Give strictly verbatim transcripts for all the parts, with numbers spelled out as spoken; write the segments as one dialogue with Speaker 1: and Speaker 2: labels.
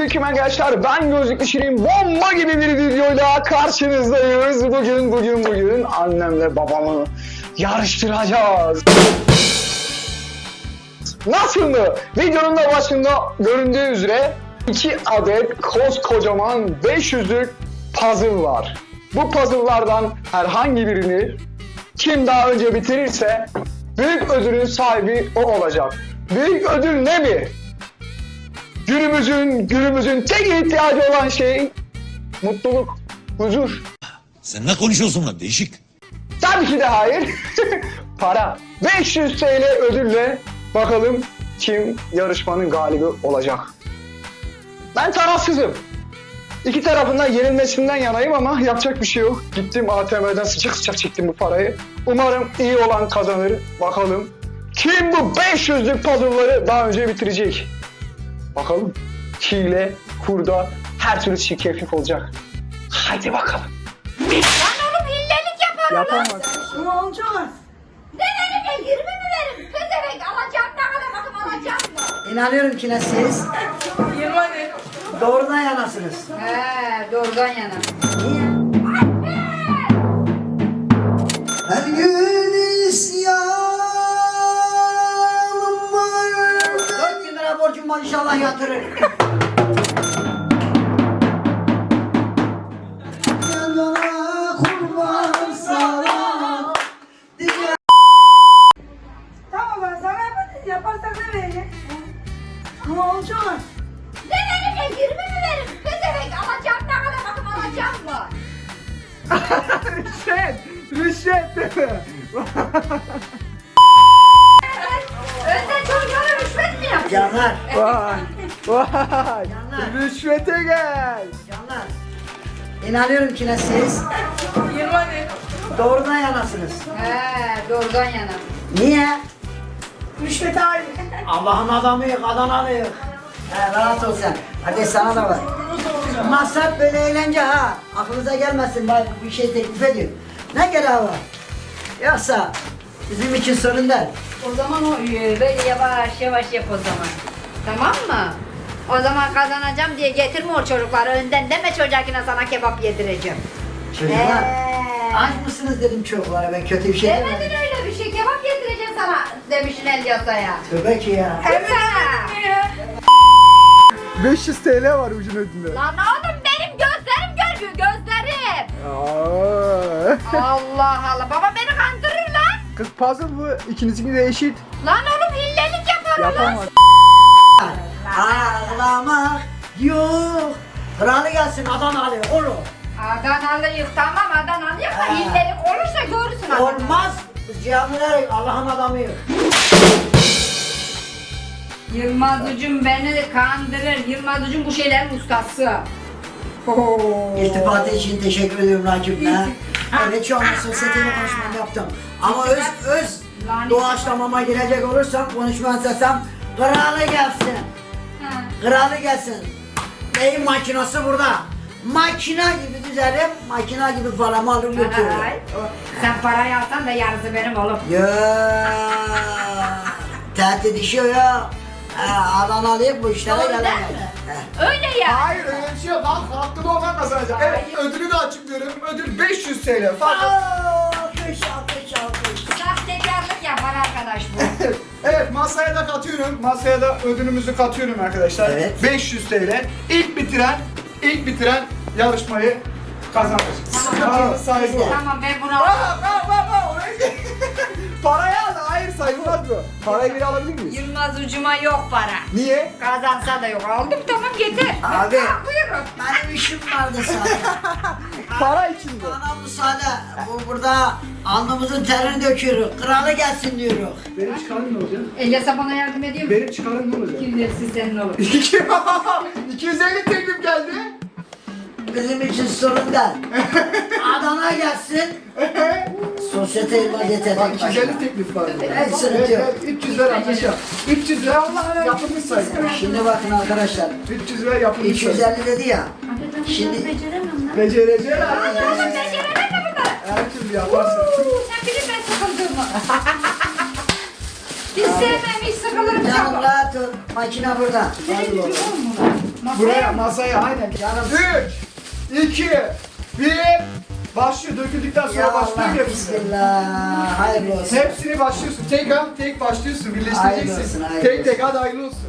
Speaker 1: Selamünaleyküm arkadaşlar. Ben Gözlüklü Şirin. Bomba gibi bir videoyla karşınızdayız. Bugün, bugün, bugün annemle babamı yarıştıracağız. Nasıl mı? Videonun da başında göründüğü üzere iki adet koskocaman beş yüzlük puzzle var. Bu puzzle'lardan herhangi birini kim daha önce bitirirse büyük ödülün sahibi o olacak. Büyük ödül ne mi? Günümüzün, günümüzün tek ihtiyacı olan şey mutluluk, huzur.
Speaker 2: Sen ne konuşuyorsun lan değişik?
Speaker 1: Tabii ki de hayır. Para. beş yüz TL ödülle bakalım kim yarışmanın galibi olacak. Ben tarafsızım. İki tarafından yenilmesinden yanayım ama yapacak bir şey yok. Gittim A T M'den sıcak sıcak çektim bu parayı. Umarım iyi olan kazanır. Bakalım kim bu beş yüzlük puzzle'ları daha önce bitirecek? Bakalım. Hile, kurda, her türlü çirkeflik olacak. Hadi bakalım.
Speaker 3: Lan oğlum hillelik yaparım lan.
Speaker 1: Yapamaz.
Speaker 4: Ne olacak?
Speaker 3: Ne verin yirmi mi verin? Pezevenk alacağım ne kadar bakım alacağım mı?
Speaker 4: İnanıyorum ki ne siz
Speaker 3: yirmi ne?
Speaker 4: doğrudan yanasınız.
Speaker 3: He doğrudan yana.
Speaker 4: Niye? Her gün isyanım var. Dört bin lira borcum var, inşallah yatırır. Yanına kurban salam.
Speaker 5: Tamam ben sana yaparız. Yaparsak ne verecek? Ne olacak?
Speaker 3: Ne verin yirmi mi verin? Pezevenk alacağım ne kadar bakım alacağım mı?
Speaker 1: Rüşvet, rüşvet değil mi?
Speaker 3: Önden çocuklara rüşvet mi yapıyorsun?
Speaker 4: Canlar,
Speaker 1: Vay, vay,
Speaker 4: Canlar.
Speaker 1: rüşvete gel.
Speaker 4: canlar. İnanıyorum ki ne siz
Speaker 5: yirmi ne?
Speaker 4: doğrudan yanasınız.
Speaker 3: He doğrudan yana.
Speaker 4: Niye?
Speaker 5: Rüşvet ayrı.
Speaker 4: Allah'ın adamıyık, Adanalıyık. He, rahat ol sen. Hadi sana da var. Masraf böyle eğlence ha. Aklınıza gelmesin, ben bir şey teklif ediyorum. Ne gereği var? Yoksa bizim için sorun değil.
Speaker 3: O zaman o e, böyle yavaş yavaş yap o zaman. Tamam mı? O zaman kazanacağım diye getirme o çocukları önden deme çocuğa ki sana kebap yedireceğim.
Speaker 4: Çocuklar,
Speaker 3: Ee.
Speaker 4: aç mısınız dedim çocuklara, ben kötü bir şey
Speaker 3: Demedin
Speaker 4: demedim.
Speaker 3: öyle bir şey kebap yedireceğim sana demişsin el yasaya.
Speaker 4: Tövbe ki ya.
Speaker 3: Evet.
Speaker 1: beş yüz TL var ucun ödünde.
Speaker 3: Lan oğlum benim gözlerim görmüyor gözlerim.
Speaker 1: Aa.
Speaker 3: Allah Allah baba beni kandırır lan.
Speaker 1: Kız puzzle bu, ikinizinki de eşit.
Speaker 3: Lan oğlum hillelik yaparım lan.
Speaker 1: Yapamaz.
Speaker 4: Ağlamak yok. Kralı gelsin, Adanalı oğlum.
Speaker 3: Adanalıyık tamam Adanalıyık da
Speaker 4: Ha.
Speaker 3: hillelik olursa görürsün Adanalı.
Speaker 4: Olmaz. Biz camiler Allah'ın adamıyız.
Speaker 3: Yılmaz Ucum beni kandırır. Yılmaz Ucum bu şeylerin ustası. Oo.
Speaker 4: İltifatı için teşekkür ediyorum Rakip be.
Speaker 3: Ha.
Speaker 4: Evet şu anda sosyeteli konuşmamı yaptım. Ama öz öz
Speaker 3: Lanet.
Speaker 4: doğaçlamama girecek olursam konuşma sesem kralı gelsin.
Speaker 3: Ha.
Speaker 4: Kralı gelsin. Neyin makinası burada? Makina gibi düzelim, makina gibi paramı alır götürürüm.
Speaker 3: Ay, o- Sen parayı alsan da yarısı benim oğlum.
Speaker 4: Ya tehdit işi ya. Ha, Adanalıyım bu işlere
Speaker 3: Doğru
Speaker 4: gelemez.
Speaker 3: değil mi?
Speaker 4: He.
Speaker 3: Öyle ya.
Speaker 6: Hayır öyle bir şey yok. Halk haklı olan kazanacak. Evet
Speaker 3: Hayır.
Speaker 6: ödülü de açıklıyorum. Ödül beş yüz TL. Fakat
Speaker 4: Alkış, alkış, alkış.
Speaker 3: Sahtekarlık yapar arkadaş bu.
Speaker 6: evet masaya da katıyorum. Masaya da ödülümüzü katıyorum arkadaşlar.
Speaker 4: Evet.
Speaker 6: beş yüz TL. İlk bitiren, ilk bitiren yarışmayı kazanır. Paranın sahibi o.
Speaker 3: Tamam ben bunu
Speaker 6: Aa, aa, aa, aa, oraya- Parayı al. Hayır sayılmaz bu. Parayı geri alabilir miyiz?
Speaker 3: Yılmaz Ucum'a yok para.
Speaker 6: Niye?
Speaker 3: Kazansa da yok. Aldım tamam yeter.
Speaker 4: Abi.
Speaker 3: Ha, buyurun.
Speaker 4: Benim işim vardı sana.
Speaker 6: Para içinde.
Speaker 4: Bana müsaade. Bu burada alnımızın terini döküyoruz. Kralı gelsin diyoruz.
Speaker 6: Benim çıkarım ne olacak?
Speaker 3: Elyas'a bana yardım ediyor mu?
Speaker 6: Benim çıkarım ne olacak?
Speaker 3: Kim dersi senin olur.
Speaker 6: iki yüz elli teklif geldi.
Speaker 4: Bizim için sorun değil. Adana gelsin. Sosyete vaziyete
Speaker 6: Bak iki yüz elli teklif var.
Speaker 4: Evet, sıkıntı yok.
Speaker 6: üç yüz lira anlaşalım. üç yüz lira yapılmış sayın.
Speaker 4: Şimdi bakın arkadaşlar.
Speaker 6: üç yüz lira yapılmış
Speaker 4: iki yüz
Speaker 6: sayın.
Speaker 4: elli dedi ya. Şimdi
Speaker 6: Becereceğim.
Speaker 3: Oğlum beceremem mi bunları?
Speaker 6: Her türlü yaparsın.
Speaker 3: Sen bilin ben sıkıldığımı. Hiç sevmem hiç sıkılırım
Speaker 4: canım
Speaker 3: çabuk.
Speaker 4: rahat ol. Makine burada.
Speaker 3: Senin gücün var mı? Masaya
Speaker 6: Buraya
Speaker 3: mı?
Speaker 6: masaya aynen. Üç, iki, bir. Başlıyor. Döküldükten sonra
Speaker 4: Ya
Speaker 6: başlıyor
Speaker 4: Allah,
Speaker 6: hepsini.
Speaker 4: bismillah. Hayırlı olsun.
Speaker 6: Hepsini başlıyorsun. Tek an tek başlıyorsun.
Speaker 4: Hayırlı
Speaker 6: Birleştireceksin.
Speaker 4: olsun, hayırlı
Speaker 6: Tek tek hadi hayırlı olsun.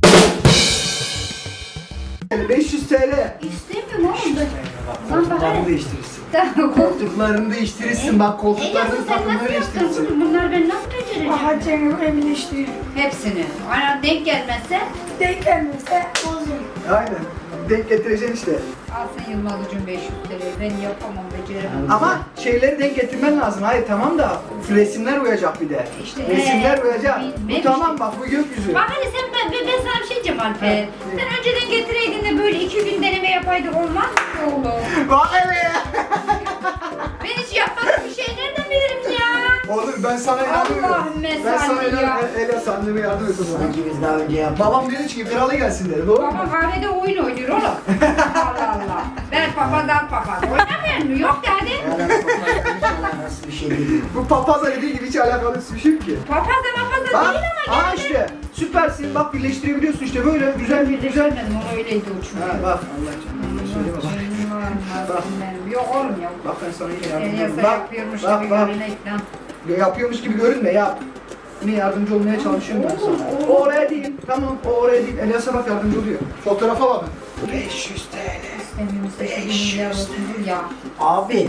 Speaker 6: beş yüz T L.
Speaker 3: İstemiyorum oğlum. Lan bak
Speaker 6: Koltuklarını
Speaker 3: hele.
Speaker 6: değiştirirsin.
Speaker 3: Tamam.
Speaker 6: Koltuklarını değiştirirsin. Bak
Speaker 3: E
Speaker 6: koltuklarını
Speaker 3: yazın sen
Speaker 6: takımları
Speaker 3: nasıl yaptın
Speaker 6: değiştirirsin.
Speaker 3: kızım? Bunlar ben nasıl becereceğim?
Speaker 5: Aha Cengiz emin işte.
Speaker 3: Hepsini. Aynen denk gelmezse
Speaker 5: Denk gelmezse bozulur.
Speaker 6: Aynen. Denk getireceksin işte.
Speaker 3: alsın Yılmaz'cığım beş yüz T L. Ben yapamam, beceremem.
Speaker 6: Ama şeyleri denk getirmen lazım. Hayır tamam da resimler uyacak bir de.
Speaker 3: İşte,
Speaker 6: resimler
Speaker 3: ee,
Speaker 6: uyacak.
Speaker 3: bilmem
Speaker 6: Bu tamam
Speaker 3: işte.
Speaker 6: bak bu gökyüzü.
Speaker 3: Bak hani sen ben, ben, ben sana bir şey diyeceğim Alper.
Speaker 6: Ha,
Speaker 3: Sen önceden getireydin de böyle iki gün deneme yapaydık olmaz mı oğlum?
Speaker 6: Bak hele ya.
Speaker 3: Ben hiç yapmadım bir şey nereden bilirim ya?
Speaker 6: Oğlum ben sana inanmıyorum.
Speaker 3: Allah'ım
Speaker 6: Ben
Speaker 3: mesalli
Speaker 6: sana
Speaker 3: ya.
Speaker 6: inanmıyorum. Ele sandığımı yardım et o zaman.
Speaker 4: Sanki biz daha önce yaptık.
Speaker 6: Babam dedi ki kralı gelsin dedi. Doğru mu?
Speaker 3: Baba kahvede oyun oynuyor oğlum. Allah Allah. Ben papaz al papaz. Oynamıyor mu? Yok dedi.
Speaker 4: Ya da hiç alakası bir şey değil.
Speaker 6: Bu papazla dediği gibi hiç alakalı bir şey yok ki.
Speaker 3: Papaz da mapaz da
Speaker 6: Bak,
Speaker 3: değil ama
Speaker 6: aa işte süpersin. Bak birleştirebiliyorsun işte böyle güzel bir güzel.
Speaker 3: birleştirmedim onu öyleydi o çünkü.
Speaker 6: Ha bak Allah canına söyleme bak. Bak.
Speaker 3: Benim. Yok oğlum yok.
Speaker 6: Bak ben sana yine
Speaker 3: El
Speaker 6: yardımcı
Speaker 3: yasa
Speaker 6: olayım. Bak,
Speaker 3: yapıyormuş
Speaker 6: bak,
Speaker 3: gibi
Speaker 6: bak.
Speaker 3: görünek lan.
Speaker 6: Ya yapıyormuş gibi görünme yap. Yine yardımcı olmaya çalışıyorum ben sana. O oraya değil. Tamam o oraya değil. Elias'a bak yardımcı oluyor. Fotoğrafa bak. beş yüz T L.
Speaker 3: İstemiyorsa şu bir milyar olsun dur ya.
Speaker 4: Abi.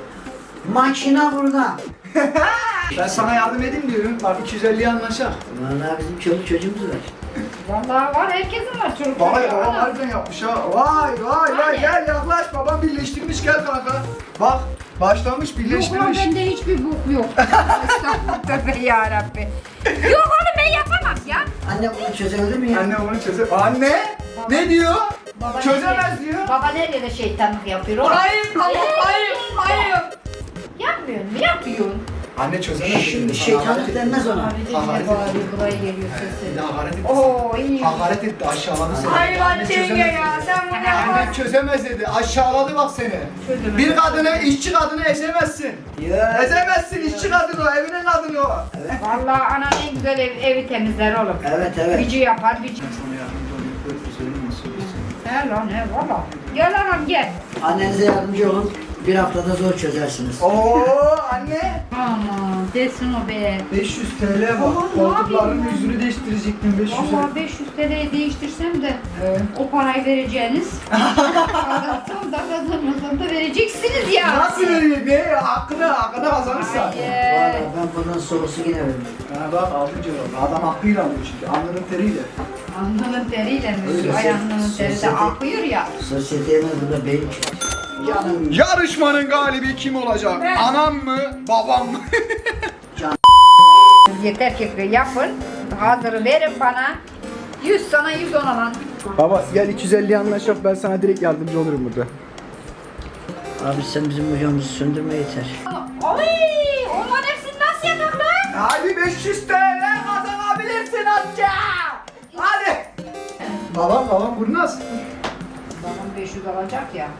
Speaker 4: Makine burada.
Speaker 6: Ben sana yardım edeyim diyorum. Bak iki yüz elliye anlaşak.
Speaker 4: Vallahi bizim çoluk çocuğumuz var.
Speaker 3: Vallahi var herkesin var çocuk.
Speaker 6: Vay
Speaker 3: çocuğu.
Speaker 6: babam
Speaker 3: Ana.
Speaker 6: harbiden yapmış ha. Vay vay vay
Speaker 3: Hani?
Speaker 6: gel yaklaş babam birleştirmiş gel kanka. Bak başlamış
Speaker 3: Yok lan
Speaker 6: birleştirmiş.
Speaker 3: bende hiçbir bok yok. Estağfurullah tövbe yarabbi. Yok oğlum ben yapamam ya.
Speaker 4: Anne bunu çözebilir mi ya?
Speaker 6: Anne onu çözer. Anne ne diyor?
Speaker 3: Baba
Speaker 6: Çözemez
Speaker 3: nerede-
Speaker 6: diyor.
Speaker 3: Baba nerede şeytanlık yapıyor oğlum?
Speaker 6: Hayır ama hayır hayır.
Speaker 3: Yapmıyor mu? Yapıyorsun.
Speaker 6: Anne çözemez.
Speaker 4: Şimdi şeytanlık denmez ona.
Speaker 3: Abi de
Speaker 6: Hakaret
Speaker 3: yine bağırıyor buraya geliyor
Speaker 6: Bir de
Speaker 3: sesi.
Speaker 6: hakaret etti.
Speaker 3: Oo iyi.
Speaker 6: Hakaret etti aşağıladı seni.
Speaker 5: Hayır
Speaker 6: Anne
Speaker 5: lan Cengiz
Speaker 6: çözemez
Speaker 5: ya
Speaker 6: dedi.
Speaker 5: sen bunu yapamazsın.
Speaker 6: Anne çözemez dedi. Aşağıladı bak seni.
Speaker 3: Çözemez.
Speaker 6: Bir kadını, işçi kadını ezemezsin.
Speaker 4: Ya.
Speaker 6: Ezemezsin işçi kadını o, evinin kadını o.
Speaker 3: Vallahi anan en güzel ev, evi temizler oğlum.
Speaker 4: Evet evet.
Speaker 3: Gücü yapar, gücü. He lan he valla. Gel anam gel.
Speaker 4: Annenize yardımcı olun. Bir haftada zor çözersiniz.
Speaker 6: Oo anne.
Speaker 3: Aman desin o be.
Speaker 6: beş yüz T L
Speaker 3: Aman,
Speaker 6: bak.
Speaker 3: ne
Speaker 6: Koltukların
Speaker 3: yapayım ben?
Speaker 6: yüzünü değiştirecektim beş yüz
Speaker 3: Valla beş yüz T L'ye değiştirsem de o parayı vereceğiniz. Kazanırsam da kazanmasam da vereceksiniz ya.
Speaker 6: Nasıl veriyor? Ne? Hakkını, hakkını kazanırsa.
Speaker 3: Hayır.
Speaker 4: Valla ben bundan sorusu yine veririm.
Speaker 6: Ha bak altıncı oldu. Adam hakkıyla alıyor çünkü. Alnının teriyle.
Speaker 3: Alnının teriyle mi?
Speaker 4: Öyle.
Speaker 3: Ay alnının teri de
Speaker 4: Sosyete-
Speaker 3: akıyor ya.
Speaker 4: Sosyeteye burada beyin çıkıyor. Canım.
Speaker 6: Yarışmanın galibi kim olacak? Anam mı? Babam mı?
Speaker 3: Yeter ki yapın. Hazırı verin bana. yüz sana yüz ona lan.
Speaker 6: Baba gel iki yüz elli anlaşak ben sana direkt yardımcı olurum burada.
Speaker 4: Abi sen bizim hocamızı söndürme yeter.
Speaker 3: Ay, onların hepsini nasıl yapak lan?
Speaker 6: Hadi beş yüz T L kazanabilirsin amca. Hadi. Babam babam kurnaz.
Speaker 3: Babam beş yüz alacak ya.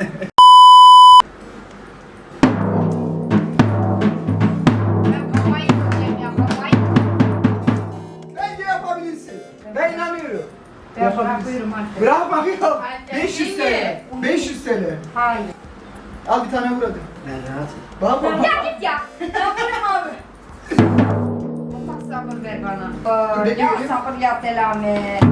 Speaker 3: Ben kafayı yiyeceğim ya kafayı.
Speaker 6: Bence yapabilirsin. Ben inanıyorum.
Speaker 3: Ben
Speaker 6: Yapabilirsin.
Speaker 3: bırakıyorum artık.
Speaker 6: Bırak bakayım.
Speaker 3: Hadi,
Speaker 6: beş yüz T
Speaker 3: iyi.
Speaker 6: L. beş yüz T L.
Speaker 3: Hayır.
Speaker 6: Al bir tane vur hadi.
Speaker 4: Ben rahat.
Speaker 6: Bak bak.
Speaker 3: Ya git ya. Yaparım abi. Allah sabır ver bana. Aa,
Speaker 6: Bekle,
Speaker 3: ya
Speaker 6: bekle.
Speaker 3: sabır ya selamet.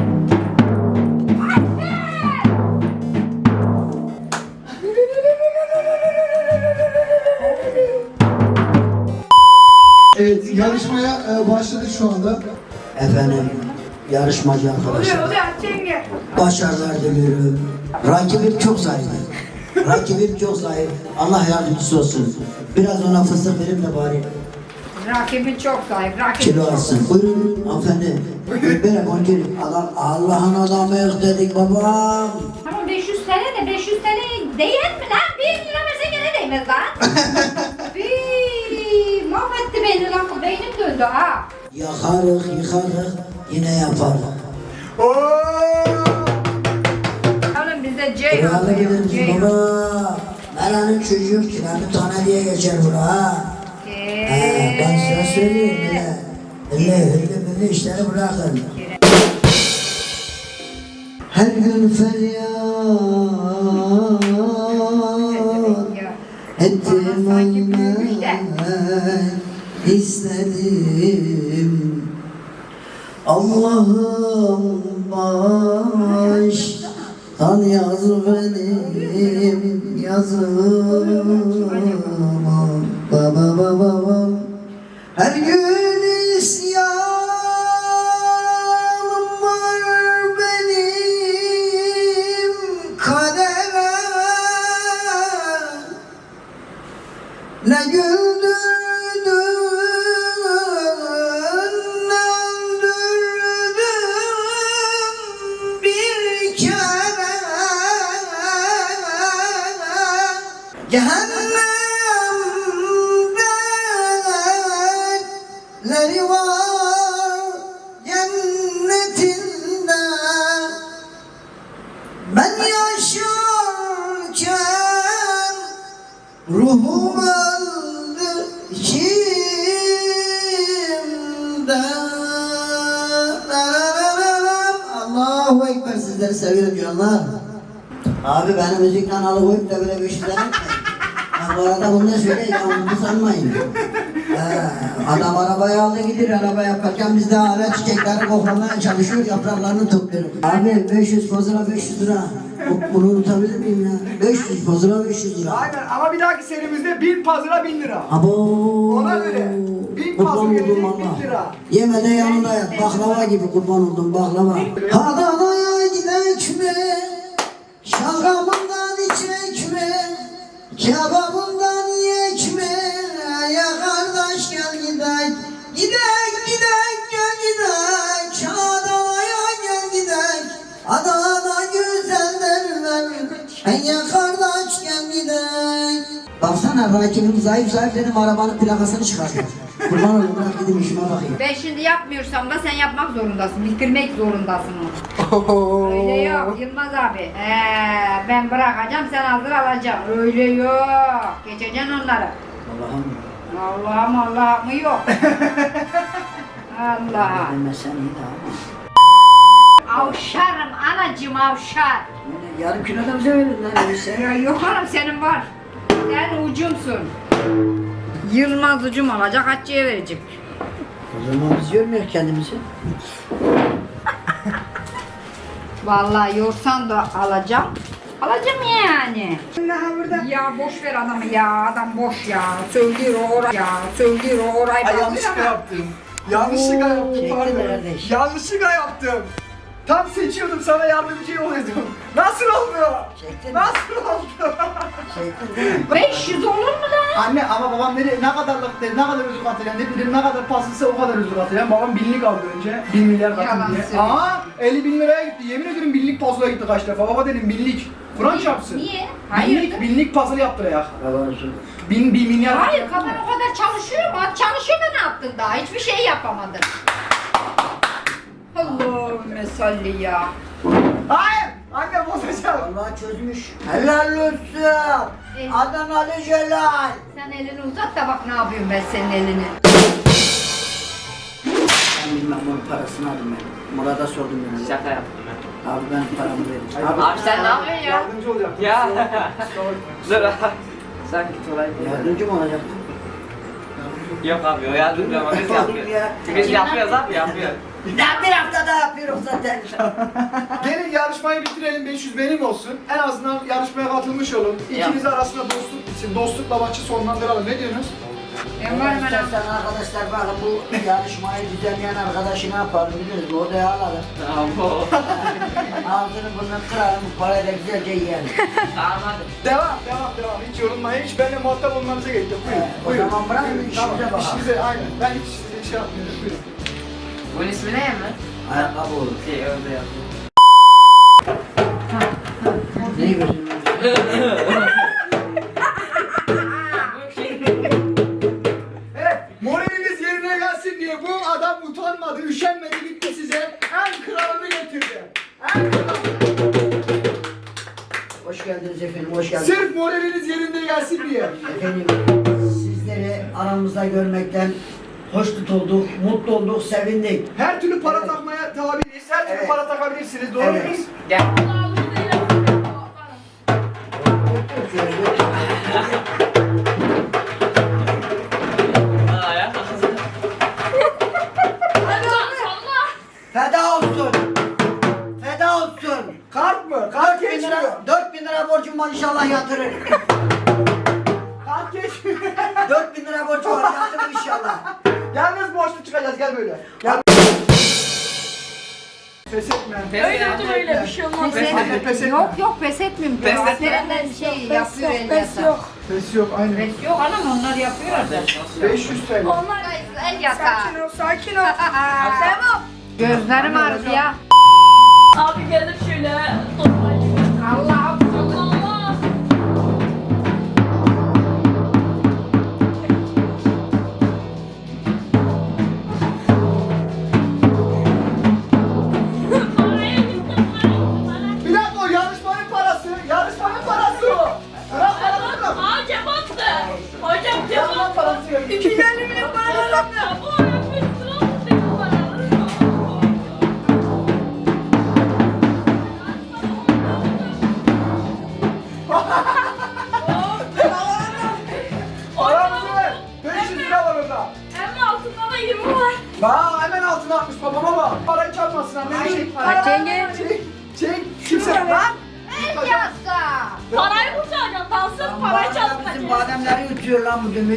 Speaker 7: Evet, yarışmaya e, başladık şu anda.
Speaker 4: Efendim, yarışmacı arkadaşlar.
Speaker 5: Oluyor Cengiz.
Speaker 4: Başarılar diliyorum. Rakibim çok zayıf. Rakibim çok zayıf. Allah yardımcısı olsun. Biraz ona fıstık verin de bari
Speaker 3: Rakibin çok zayıf. Rakibin
Speaker 4: kilo
Speaker 3: çok
Speaker 4: alsın. Buyurun hanımefendi. Böyle konuşalım. Allah, Allah'ın adamı dedik babam.
Speaker 3: Ama beş yüz T L de beş yüz T L değer mi lan? Bir lira verse gene değmez lan.Bii, mahvetti beni lan. Beynim döndü ha.
Speaker 4: Yakarık, yıkarık, yine yaparız.
Speaker 6: Oo!
Speaker 3: Oğlum bize Ceyhan
Speaker 4: Kralı
Speaker 3: diyor.
Speaker 4: biliriz
Speaker 3: Ceyhan.
Speaker 4: baba. Melanın çocuğu kiranı tane diye geçer bura ha. Ee, ben size söyleyeyim bile. Elle hırlı böyle işleri bırakın. her gün feryat ettim ölmek istedim. Allah'ım baştan yaz benim yazımı. Baba baba baba her gün isyanım var benim kadere. Ne güldürdün ne öldürdün bir kere. Cehennemleri var cennetinde. Ben yaşarken ruhum öldü içimde. Allahu Ekber, sizleri seviyorum canlar. Abi beni müzikten alıkoyup da böyle bir şey demek mi? Bu arada bunu da söyle, yanlış sanmayın. Ee, adam arabayı aldı gidiyor, araba yaparken biz de hala çiçekleri koklamaya çalışıyor, yapraklarını topluyoruz. Abi beş yüz fazla beş yüz lira. Bu- Bunu unutabilir miyim ya? beş yüz fazla beş yüz lira.
Speaker 6: Aynen ama bir dahaki serimizde bin pazara bin lira.
Speaker 4: Abo.
Speaker 6: Ona göre. Bin
Speaker 4: Kurban
Speaker 6: fazla gelecek,
Speaker 4: oldum
Speaker 6: bin
Speaker 4: valla.
Speaker 6: lira.
Speaker 4: Yemede yanında yat, baklava gibi kurban oldum baklava. Adana'ya gidek mi? Şalgamından içek mi? Kebabından yiyek mi? Ya kardeş gel gidek. Gidek gidek gel gidek. Adana'ya gel gidek. Adana güzel derler. Ya kardeş gel gidek. Baksana rakibim zayıf zayıf dedim, arabanın plakasını çıkartıyor. Kurban olayım, bırak gidip işime bakayım.
Speaker 3: Ben şimdi yapmıyorsam da sen yapmak zorundasın. Bitirmek zorundasın onu. Öyle yok Yılmaz abi. Ee, ben bırakacağım, sen hazır alacaksın. Öyle yok. Geçeceksin onları.
Speaker 4: Allah'ım.
Speaker 3: Allah'ım Allah'ım yok. Allah.
Speaker 4: Ben sen iyi de ama.
Speaker 3: Avşarım anacım avşar.
Speaker 4: Yarım kilo da bize verin lan öyleyse.
Speaker 3: Ya yok hanım senin var. Sen ucumsun. Yılmaz ucum olacak, Hatice'ye verecek.
Speaker 4: O zaman biz görmüyoruz kendimizi.
Speaker 3: Vallahi yorsan da alacağım. Alacağım yani.
Speaker 5: Daha burada.
Speaker 3: Ya boş ver adamı ya, adam boş ya. Söylüyor o orayı ya, söylüyor o orayı.
Speaker 6: Ay
Speaker 3: bağlıyor
Speaker 6: yanlışlıkla
Speaker 3: ama-
Speaker 6: yaptım. Yanlışlıkla yaptım
Speaker 4: Çektin
Speaker 6: pardon.
Speaker 4: kardeş.
Speaker 6: Yanlışlıkla yaptım. Tam seçiyordum, sana yardımcı oluyordum. Nasıl oldu?
Speaker 4: Çektin.
Speaker 6: Nasıl oldu?
Speaker 4: Çektin değil mi?
Speaker 3: beş yüz olur mu lan?
Speaker 6: Anne ama babam dedi ne kadarlık dedi, ne kadar özür atacağım dedi, dedim ne kadar paslısa o kadar özür atacağım. Babam binlik aldı önce, bin milyar katın
Speaker 3: Yalan
Speaker 6: diye.
Speaker 3: söylüyor.
Speaker 6: Aa elli bin liraya gitti, yemin ediyorum binlik puzzle'a gitti kaç defa. Baba dedim binlik, Kur'an çarpsın.
Speaker 3: Niye? Hayır.
Speaker 6: Binlik, binlik puzzle yaptıraya.
Speaker 4: Allah olsun.
Speaker 6: Bin, bir milyar.
Speaker 3: Hayır, kafan o kadar çalışıyor mu? Çalışıyor da ne yaptın daha? Hiçbir şey yapamadın. Allahümme salli ya.
Speaker 6: Hayır, anne bozacağım.
Speaker 4: Allah çözmüş. Helal olsun.
Speaker 3: Evet.
Speaker 4: Adanalı Celal.
Speaker 3: Sen elini uzat da bak ne yapıyorum ben senin elini.
Speaker 4: Ben bilmem bunun parasını aldım ben. Murat'a sordum yani.
Speaker 8: Şaka yaptım ben.
Speaker 4: Abi ben paramı verin.
Speaker 8: Abi, abi sen ne yapıyorsun ya?
Speaker 6: Yardımcı olacaktım.
Speaker 8: Ya.
Speaker 6: Kusura bakma.
Speaker 8: Dur. Sen git olay.
Speaker 4: Yardımcı mı olacaktın?
Speaker 8: Yok abi o yardımcı ama biz yapıyoruz. Biz yapıyoruz abi yapıyoruz.
Speaker 4: Ben bir hafta daha yapıyorum zaten.
Speaker 6: Gelin yarışmayı bitirelim, beş yüz benim olsun. En azından yarışmaya katılmış olun. İkiniz arasında dostluk bitsin, dostlukla maçı sonlandıralım. Ne diyorsunuz?
Speaker 3: Ben varım anam.
Speaker 4: İstersen arkadaşlar bakın bu yarışmayı düzenleyen arkadaşı ne yapalım biliyoruz mu? Odaya alalım.
Speaker 8: Tamam.
Speaker 4: Ağzını burnunu kıralım, bu parayı da güzelce yiyelim.
Speaker 8: Tamam hadi.
Speaker 6: Devam, devam, devam. Hiç yorulmayın, hiç benimle muhatap olmanıza gerek yok. Buyurun,
Speaker 4: Evet, o
Speaker 6: buyurun.
Speaker 4: zaman bırakın,
Speaker 6: Buyurun,
Speaker 4: işimize
Speaker 6: tamam,
Speaker 4: bakalım.
Speaker 6: işinize, aynen. Ben hiç size şey yapmıyorum. Buyurun.
Speaker 8: Bunun ismi ne mi?
Speaker 4: Ayakkabı olur.
Speaker 8: Şey öyle yapıyor.
Speaker 4: Neyi gözünü?
Speaker 6: Evet, moraliniz yerine gelsin diye bu adam utanmadı, üşenmedi, gitti size en kralını getirdi. En kralını.
Speaker 4: Hoş geldiniz efendim, hoş geldiniz.
Speaker 6: Sırf moraliniz yerinde gelsin diye.
Speaker 4: Efendim, sizleri aramızda görmekten hoş tutulduk, mutlu olduk, sevindik.
Speaker 6: Her türlü para
Speaker 4: Evet.
Speaker 6: takmaya talibiniz. Her türlü
Speaker 4: Evet.
Speaker 6: para takabilirsiniz. Doğru
Speaker 4: Evet.
Speaker 6: muyuz?
Speaker 8: Gel. Aa ya.
Speaker 4: Feda olsun. Feda olsun.
Speaker 6: Kart mı? Kart
Speaker 4: dört bin
Speaker 6: geçmiyor.
Speaker 4: lira, dört bin lira borcum var inşallah yatırır.
Speaker 6: Kart geçmiyor.
Speaker 4: dört bin lira borcum var yatırır inşallah.
Speaker 6: Yalnız borçlu çıkacağız. Gel böyle. Gel. Pes etme.
Speaker 8: Öyle
Speaker 5: Öyle bir şey olmaz.
Speaker 3: Pes
Speaker 6: Hadi pes
Speaker 3: etmem.
Speaker 6: etme.
Speaker 3: Yok yok pes etmeyeyim.
Speaker 8: Pes etme.
Speaker 3: Aslerinden şey yapıyor
Speaker 5: Pes yok,
Speaker 3: Elyas'a.
Speaker 5: pes yok.
Speaker 6: Pes yok aynen.
Speaker 3: Pes yok anam onlar yapıyor zaten.
Speaker 6: beş yüz T L.
Speaker 5: Onlar
Speaker 3: Elyas'a.
Speaker 5: sakin ol, sakin ol. Tamam.
Speaker 3: Gözlerim ağrıdı ya.
Speaker 9: Abi gelir şöyle. Normal gibi.
Speaker 3: Allah'ım.
Speaker 9: Allah. Paraya gittim, paraya gittim.
Speaker 6: Bir dakika o yarışmanın parası. Yarışmanın parası o. Bırak parası bırak.
Speaker 9: Aa cep attı. Hocam cep
Speaker 6: Yarışmanın
Speaker 9: attı.
Speaker 6: parası yok.
Speaker 5: iki yüz elli milyon para aldım.
Speaker 9: Ya bu ara bir sıra oldu bu para.
Speaker 6: Paramızı ver. beş yüz lira var orada.
Speaker 9: Hem altında da yirmi var.
Speaker 6: Bak hemen altına atmış babama bak. Parayı çalmasın anne. Çek.
Speaker 3: Açenge.
Speaker 6: Çek. Çek. Kimse lan.
Speaker 3: Elyas'a.
Speaker 9: Parayı kurtaracağım. Dansız parayı
Speaker 4: Bizim
Speaker 9: çaldım.
Speaker 4: bademleri yutuyor lan bu dümük.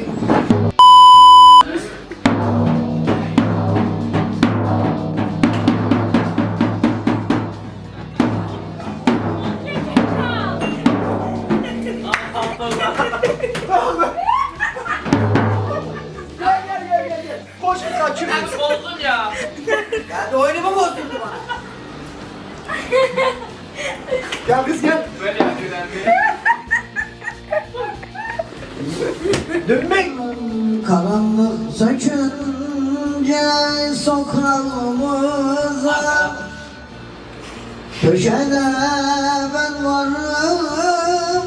Speaker 6: Gel gel gel gel. gel. Koş bir kaçır.
Speaker 8: Bozdun ya.
Speaker 4: Geldi oyunumu bozdurdu bana.
Speaker 6: Gel kız gel.
Speaker 8: Böyle yapıyorlar.
Speaker 6: Dönmek.
Speaker 4: Karanlık sökünce sokağımıza köşede ben varım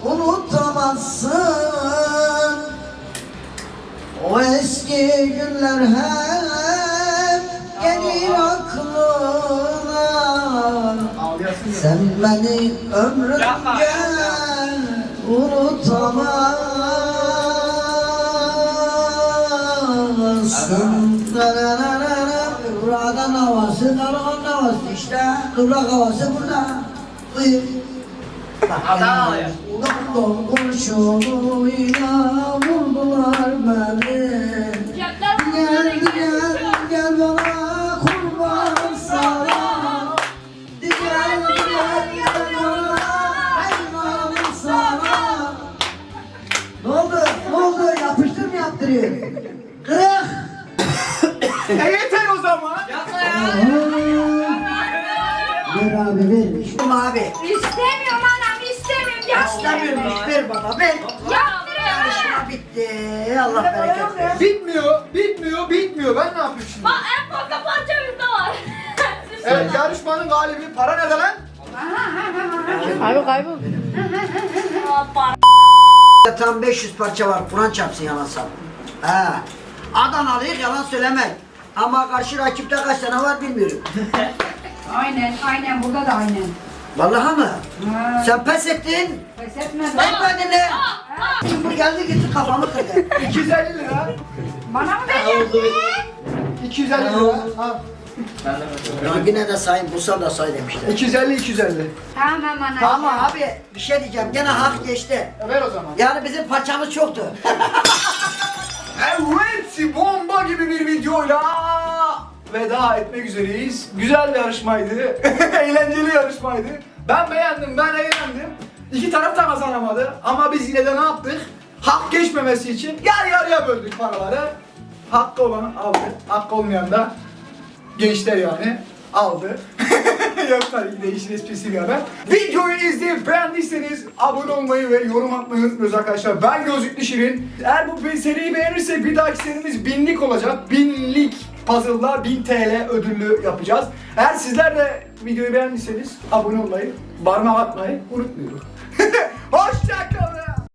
Speaker 4: unutamazsın. O eski günler hep gelir aklına.
Speaker 6: Ağlayasın ya.
Speaker 4: Sen beni ömrümce
Speaker 8: Yapma.
Speaker 4: unutamazsın. Buradan havası, karavan havası işte. Kıvrak havası burada. Buyur.
Speaker 8: Adam ağlıyor.
Speaker 4: Doktor kurşunuyla vurdular beni.
Speaker 9: Cepler
Speaker 4: Gel gel gel bana kurban sana. Gel gel gel bana hayvan sana. Ne oldu? Ne oldu? Yapıştır mı yaptırıyor? Kırık.
Speaker 6: E yeter o zaman.
Speaker 8: Yapma ya.
Speaker 4: Ver abi ver. İşte abi.
Speaker 3: İstemiyorum anam istemiyorum.
Speaker 4: İstemiyorum.
Speaker 3: Yaptırın.
Speaker 4: Ver bana ver.
Speaker 3: Yaptırın.
Speaker 4: Yarışma bitti. Allah bereket versin.
Speaker 6: Bitmiyor, bitmiyor, bitmiyor. Ben ne yapayım şimdi?
Speaker 9: Bak en fazla parça bizde var.
Speaker 6: Evet, yarışmanın galibi para nerede lan?
Speaker 9: Aa, para.
Speaker 4: Tam beş yüz parça var. Kur'an çarpsın yalan sap. He. Adanalıyız yalan söylemek. Ama karşı rakipte kaç tane var bilmiyorum.
Speaker 3: Aynen aynen burada da aynen.
Speaker 4: Vallahi mı?
Speaker 3: Ha.
Speaker 4: Sen pes ettin.
Speaker 3: Pes etme.
Speaker 4: Etmedin de. Şimdi geldi gitti kafamı kırdı.
Speaker 6: iki yüz elli lira.
Speaker 3: Bana mı veriyorsun?
Speaker 6: iki yüz elli lira. Ha.
Speaker 4: Ya yine de sayın bulsam da say demişler.
Speaker 6: iki yüz elli, iki yüz elli.
Speaker 3: Tamam anacığım.
Speaker 4: Tamam abi bir şey diyeceğim gene hak geçti.
Speaker 6: E ver o zaman.
Speaker 4: Yani bizim parçamız çoktu.
Speaker 6: Evet, bomba gibi bir videoyla veda etmek üzereyiz. Güzel bir yarışmaydı. Eğlenceli yarışmaydı. Ben beğendim, ben eğlendim. İki taraf da kazanamadı. Ama biz yine de ne yaptık? Hak geçmemesi için yarı yarıya böldük paraları. Hakkı olan aldı. Hakkı olmayan da gençler yani aldı. Yok tabii ki de işin esprisi bir haber. Videoyu izleyip beğendiyseniz abone olmayı ve yorum atmayı unutmuyoruz arkadaşlar. Ben Gözlüklü Şirin. Eğer bu seriyi beğenirsek bir dahaki serimiz binlik olacak. Binlik puzzle'lar bin T L ödüllü yapacağız. Eğer sizler de videoyu beğendiyseniz abone olmayı, parmak atmayı unutmayın. Hoşçakalın.